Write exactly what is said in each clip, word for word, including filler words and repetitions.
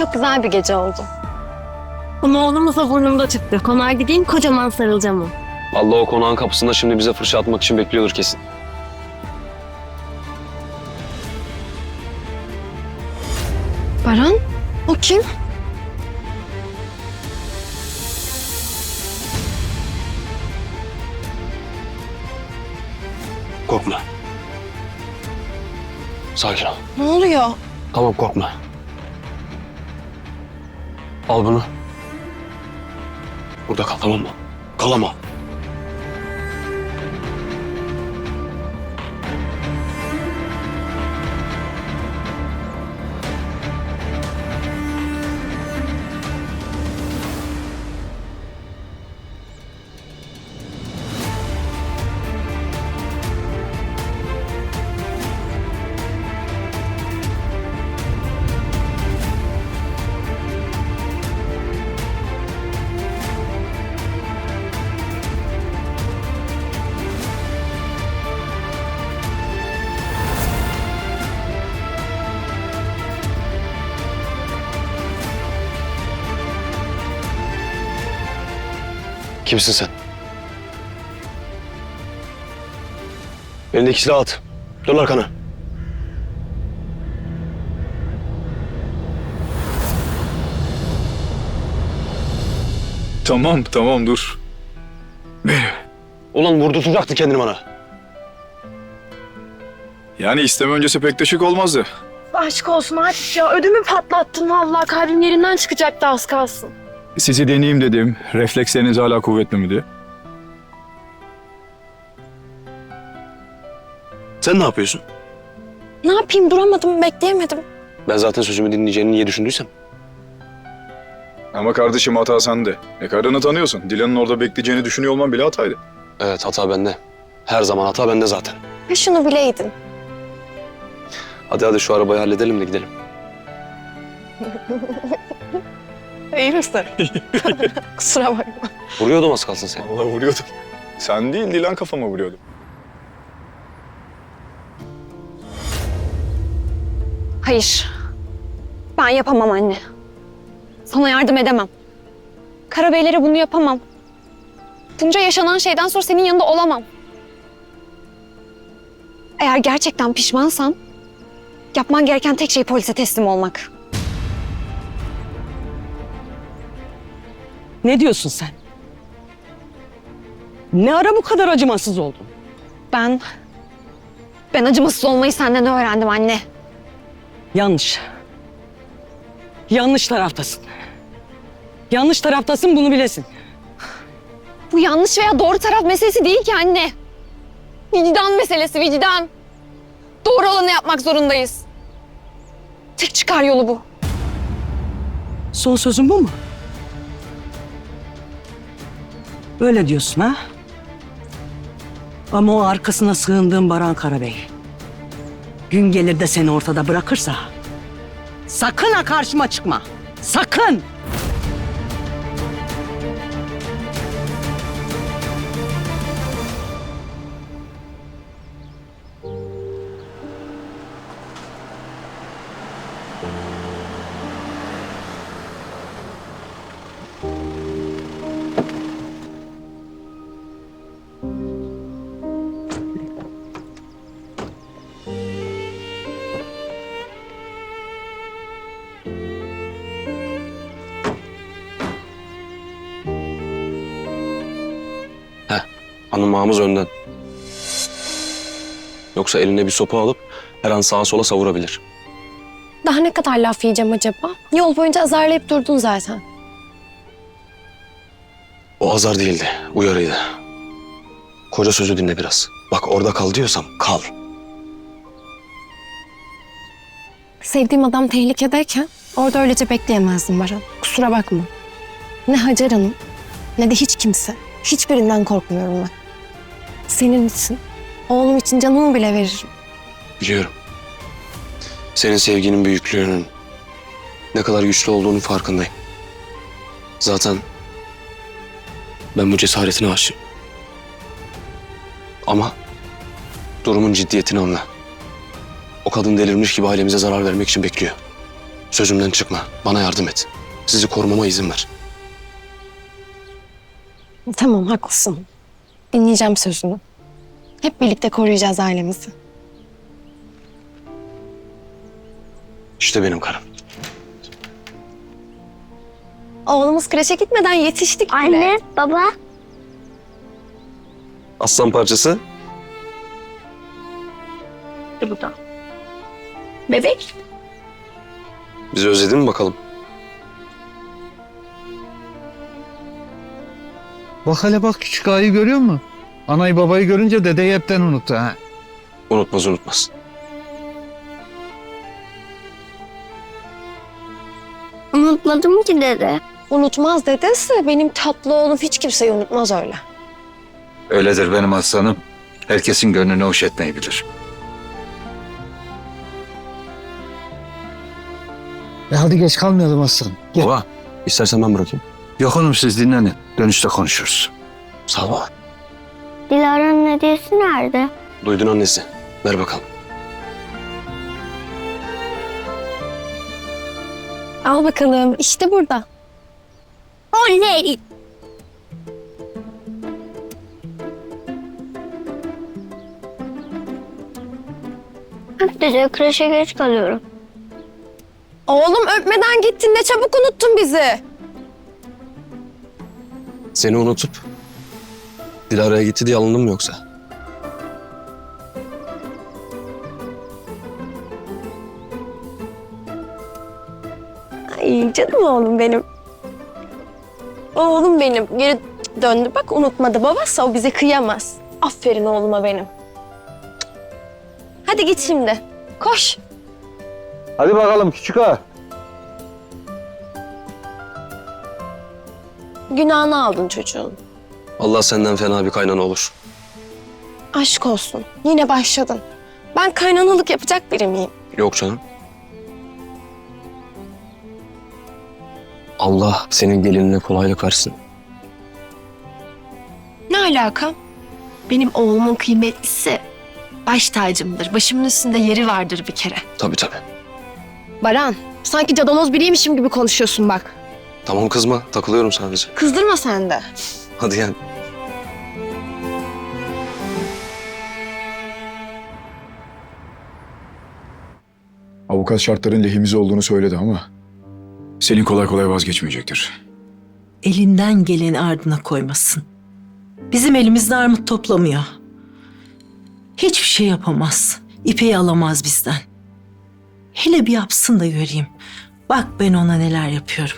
çok güzel bir gece oldu. Ama oğlumuzla burnumda çıktı. Konağa gideyim, kocaman sarılacağım o. Allah o konağın kapısında şimdi bize fırça atmak için bekliyordur kesin. Baran, o kim? Korkma. Sakin ol. Ne oluyor? Tamam, korkma. Al bunu. Burada kal, tamam mı? Kal ama. Kimsin sen? Elindeki silahı at. Dön arkana. Tamam, tamam dur. Benim. Ulan vurdurtacaktı kendini bana. Yani isteme öncesi pek de şık olmazdı. Aşk olsun artık ya. Ödümü patlattın vallahi. Kalbim yerinden çıkacaktı az kalsın. Sizi deneyeyim dedim. Refleksleriniz hala kuvvetli mi diye. Sen ne yapıyorsun? Ne yapayım, duramadım, bekleyemedim. Ben zaten sözümü dinleyeceğini niye düşündüysem. Ama kardeşim hata sende. E karını tanıyorsun. Dilan'ın orada bekleyeceğini düşünüyor olman bile hataydı. Evet, hata bende. Her zaman hata bende zaten. Ya şunu bileydin. Hadi hadi şu arabayı halledelim de gidelim. İyi misin? Kusura bakma. Vuruyordum az kalsın seni. Allah vuruyordum. Sen değil, Dilan kafama vuruyordu. Hayır. Ben yapamam anne. Sana yardım edemem. Karabeylere bunu yapamam. Bunca yaşanan şeyden sonra senin yanında olamam. Eğer gerçekten pişmansan, yapman gereken tek şey polise teslim olmak. Ne diyorsun sen? Ne ara bu kadar acımasız oldun? Ben... Ben acımasız olmayı senden öğrendim anne. Yanlış. Yanlış taraftasın. Yanlış taraftasın, bunu bilesin. Bu yanlış veya doğru taraf meselesi değil ki anne. Vicdan meselesi, vicdan. Doğru olanı yapmak zorundayız. Tek çıkar yolu bu. Son sözün bu mu? Öyle diyorsun ha? Ama o arkasına sığındığın Baran Karabey gün gelir de seni ortada bırakırsa sakın ha karşıma çıkma. Sakın! Anımağımız önden. Yoksa eline bir sopa alıp her an sağa sola savurabilir. Daha ne kadar laf yiyeceğim acaba? Yol boyunca azarlayıp durdun zaten. O azar değildi, uyarıydı. Koca sözü dinle biraz. Bak orada kal diyorsam kal. Sevdiğim adam tehlikedeyken orada öylece bekleyemezdim Baran. Kusura bakma. Ne Hacer Hanım ne de hiç kimse. Hiçbirinden korkmuyorum ben. Senin için, oğlum için canımı bile veririm. Biliyorum. Senin sevginin büyüklüğünün ne kadar güçlü olduğunun farkındayım. Zaten ben bu cesaretine aşığım. Ama durumun ciddiyetini anla. O kadın delirmiş gibi ailemize zarar vermek için bekliyor. Sözümden çıkma. Bana yardım et. Sizi korumama izin ver. Tamam, haklısın. Dinleyeceğim sözünü. Hep birlikte koruyacağız ailemizi. İşte benim karım. Oğlumuz kreşe gitmeden yetiştik bile. Anne, baba. Aslan parçası. Bu da. Bebek. Bizi özledin mi bakalım? Bak hele bak küçük ağayı görüyor musun? Anayı babayı görünce dedeyi hepten unuttu ha. Unutmaz unutmaz. Unutmadım ki dede. Unutmaz dedesi. Benim tatlı oğlum hiç kimseyi unutmaz öyle. Öyledir benim aslanım. Herkesin gönlünü hoş etmeyi bilir. E hadi geç kalmayalım aslanım. Gel. Baba, istersen ben bırakayım. Yok oğlum siz dinlenin. Dönüşte konuşuruz. Sağ ol baba. Dilara'nın hediyesi nerede? Duydun annesi. Ver bakalım. Al bakalım. İşte burada. Oley! Dede kreşe geç kalıyorum. Oğlum öpmeden gittin. Ne çabuk unuttun bizi. Seni unutup Dilara'ya gitti diye alındın mı yoksa? Ay canım oğlum benim. Oğlum benim. Geri döndü bak, unutmadı babası. O bize kıyamaz. Aferin oğluma benim. Hadi git şimdi. Koş. Hadi bakalım küçük ağa. Günahını aldın çocuğun. Allah senden fena bir kaynana olur. Aşk olsun. Yine başladın. Ben kaynanalık yapacak biri miyim? Yok canım. Allah senin gelinine kolaylık versin. Ne alaka? Benim oğlumun kıymetlisi baş tacımdır. Başımın üstünde yeri vardır bir kere. Tabii tabii. Baran, sanki cadaloz biriymişim gibi konuşuyorsun bak. Tamam kızma. Takılıyorum sadece. Kızdırma sen de. Hadi gel. Avukat şartların lehimize olduğunu söyledi ama Selin kolay kolay vazgeçmeyecektir. Elinden geleni ardına koymasın. Bizim elimizde armut toplamıyor. Hiçbir şey yapamaz. İpeyi alamaz bizden. Hele bir yapsın da göreyim. Bak ben ona neler yapıyorum.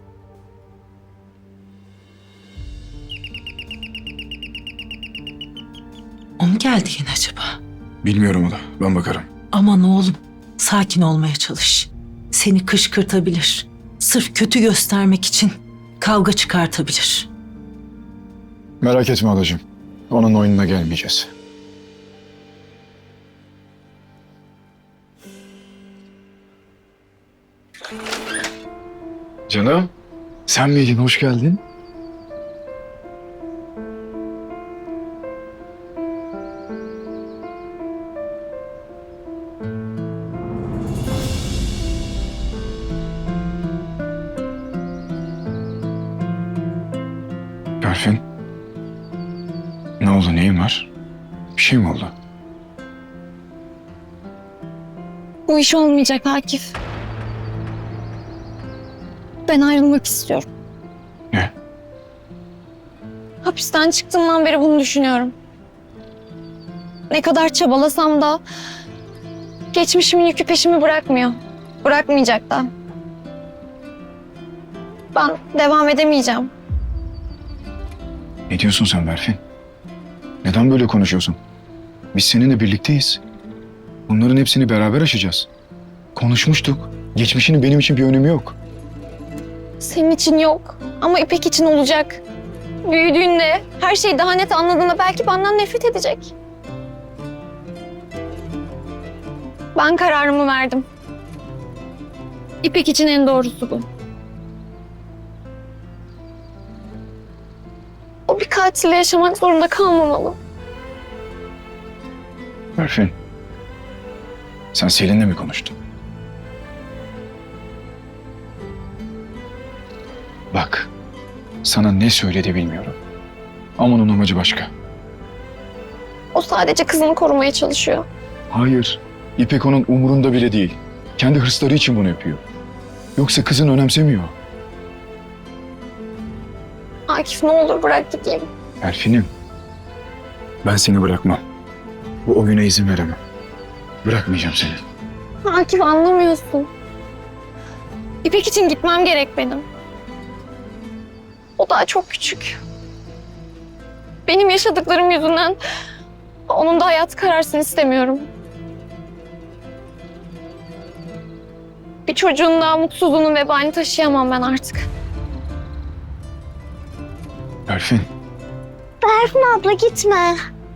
O mu geldi yine acaba? Bilmiyorum o da. Ben bakarım. Aman oğlum, sakin olmaya çalış. Seni kışkırtabilir. Sırf kötü göstermek için kavga çıkartabilir. Merak etme adacığım. Onun oyununa gelmeyeceğiz. Canım, sen miydin? Hoş geldin. Berfin. Ne oldu? Neyin var? Bir şey mi oldu? Bu iş olmayacak Akif. Ben ayrılmak istiyorum. Ne? Hapisten çıktığımdan beri bunu düşünüyorum. Ne kadar çabalasam da geçmişimin yükü peşimi bırakmıyor. Bırakmayacak da. Ben devam edemeyeceğim. Ne diyorsun sen Berfin? Neden böyle konuşuyorsun? Biz seninle birlikteyiz. Bunların hepsini beraber aşacağız. Konuşmuştuk. Geçmişinin benim için bir önemi yok. Senin için yok ama İpek için olacak. Büyüdüğünde, her şeyi daha net anladığında belki benden nefret edecek. Ben kararımı verdim. İpek için en doğrusu bu. O bir katille yaşamak zorunda kalmamalı. Berfin. Sen Selin'le mi konuştun? sana ne söyledi bilmiyorum. Ama onun amacı başka. O sadece kızını korumaya çalışıyor. Hayır, İpek onun umurunda bile değil. Kendi hırsları için bunu yapıyor. Yoksa kızın önemsemiyor. Akif ne olur bırak gideyim. Elfinim, ben seni bırakmam. Bu oyuna izin veremem. Bırakmayacağım seni. Akif anlamıyorsun. İpek için gitmem gerek benim. O daha çok küçük. Benim yaşadıklarım yüzünden onun da hayatı kararsın istemiyorum. Bir çocuğun daha mutsuzluğunun vebalini taşıyamam ben artık. Elfin, Berfin abla gitme.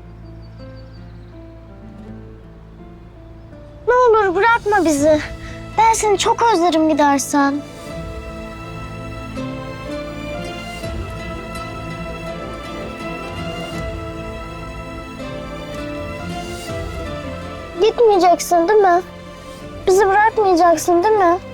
Ne olur bırakma bizi. Ben seni çok özlerim gidersen. Gitmeyeceksin değil mi? Bizi bırakmayacaksın değil mi?